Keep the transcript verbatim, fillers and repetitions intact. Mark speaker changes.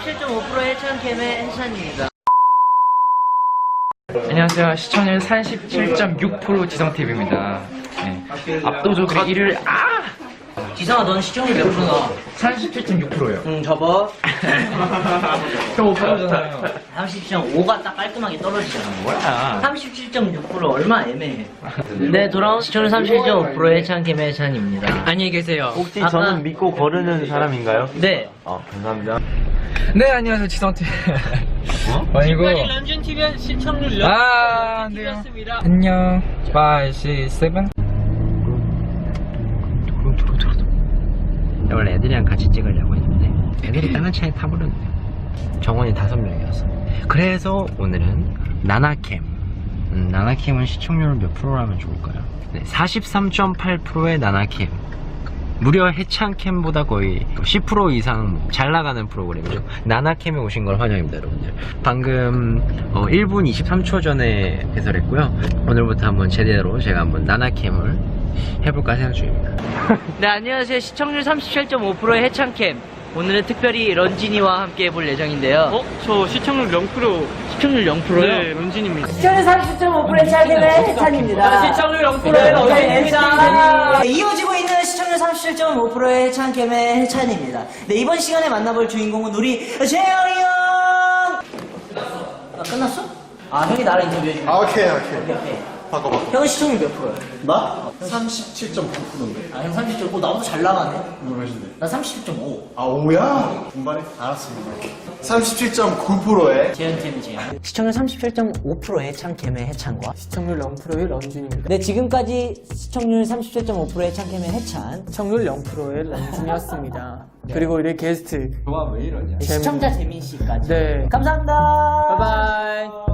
Speaker 1: 삼십칠 점 오 퍼센트 해찬캠의 해찬입니다.
Speaker 2: 안녕하세요. 시청률 삼십칠 점 육 퍼센트 지성티비입니다. 네. 압도적으로 일을 아!
Speaker 1: 지성아, 넌 시청률 몇 프로나?
Speaker 2: 삼십칠 점 육 퍼센트요.
Speaker 1: 응, 접어.
Speaker 2: 형 오 퍼센트잖아요.
Speaker 1: 삼십칠 점 오가 딱 깔끔하게 떨어지잖아.
Speaker 2: 뭐야?
Speaker 1: 삼십칠 점 육 퍼센트 얼마 애매해. 네, 돌아온 시청률 삼십칠 점 오 퍼센트 해찬캠의 해찬입니다. 안녕히 계세요.
Speaker 3: 혹시
Speaker 1: 아까-
Speaker 3: 저는 믿고 거르는 사람인가요?
Speaker 1: 네.
Speaker 3: 아, 감사합니다.
Speaker 2: 네, 안녕하세요. 지성티비. 어? 아니고.
Speaker 1: 런쥔 티비 시청률
Speaker 2: 아, 안 돼요. 안녕. 오, 육, 칠.
Speaker 4: 원래 애들이랑 같이 찍으려고 했는데 애들이 다른 차에 타버렸네. 정원이 다섯 명이었어. 그래서 오늘은 나나캠 음, 나나캠은 시청률 몇 프로라면 좋을까요? 네, 사십삼 점 팔 퍼센트의 나나캠, 무려 해창캠보다 거의 십 퍼센트 이상 잘 나가는 프로그램이죠. 나나캠에 오신 걸 환영합니다, 여러분들. 방금 어, 일 분 이십삼 초 전에 개설했고요. 오늘부터 한번 제대로 제가 한번 나나캠을 해볼까 생각 중입니다.
Speaker 1: 네, 안녕하세요. 시청률 삼십칠 점 오 퍼센트의 해찬캠. 오늘은 특별히 런쥔이와 함께 해볼 예정인데요.
Speaker 5: 어? 저 시청률 영 퍼센트.
Speaker 1: 시청률 영 퍼센트요?
Speaker 5: 네, 런쥔입니다.
Speaker 6: 시청률 삼십 점 오 퍼센트 해찬캠의 해찬입니다.
Speaker 1: 시청률 영 퍼센트의 런쥔입니다.
Speaker 6: 네, 이어지고 있는 시청률 삼십칠 점 오 퍼센트의 해찬캠의 해찬입니다. 네, 이번 시간에 만나볼 주인공은 우리 재영이 형! 아, 끝났어? 아, 형이 나랑 인터뷰해주면.
Speaker 7: 아, 오케이, 오케이.
Speaker 6: 오케이, 오케이.
Speaker 7: 바꿔, 바꿔.
Speaker 6: 형은 시청률 몇 프로야?
Speaker 7: 나? 삼십칠 점 구 퍼센트인데.
Speaker 6: 아, 형 삼십 점 오, 나보다 잘 나가네?
Speaker 7: 너 몇인데?
Speaker 6: 나 삼십 점 오.
Speaker 7: 아, 오야? 분발해? 알았습니다. 삼십칠 점 구 퍼센트에
Speaker 6: 재현팀이 재현. 시청률 삼십칠 점 오 퍼센트의 해찬캠의 해찬과
Speaker 8: 시청률 영 퍼센트의 런쥔입니다.
Speaker 6: 네, 지금까지 시청률 삼십칠 점 오 퍼센트의 해찬캠의 해찬.
Speaker 8: 시청률 영 퍼센트의 런쥔이었습니다. 그리고 우리 게스트
Speaker 2: 좋아, 왜 이러냐?
Speaker 6: 네, 시청자 재민 씨까지.
Speaker 8: 네.
Speaker 6: 감사합니다.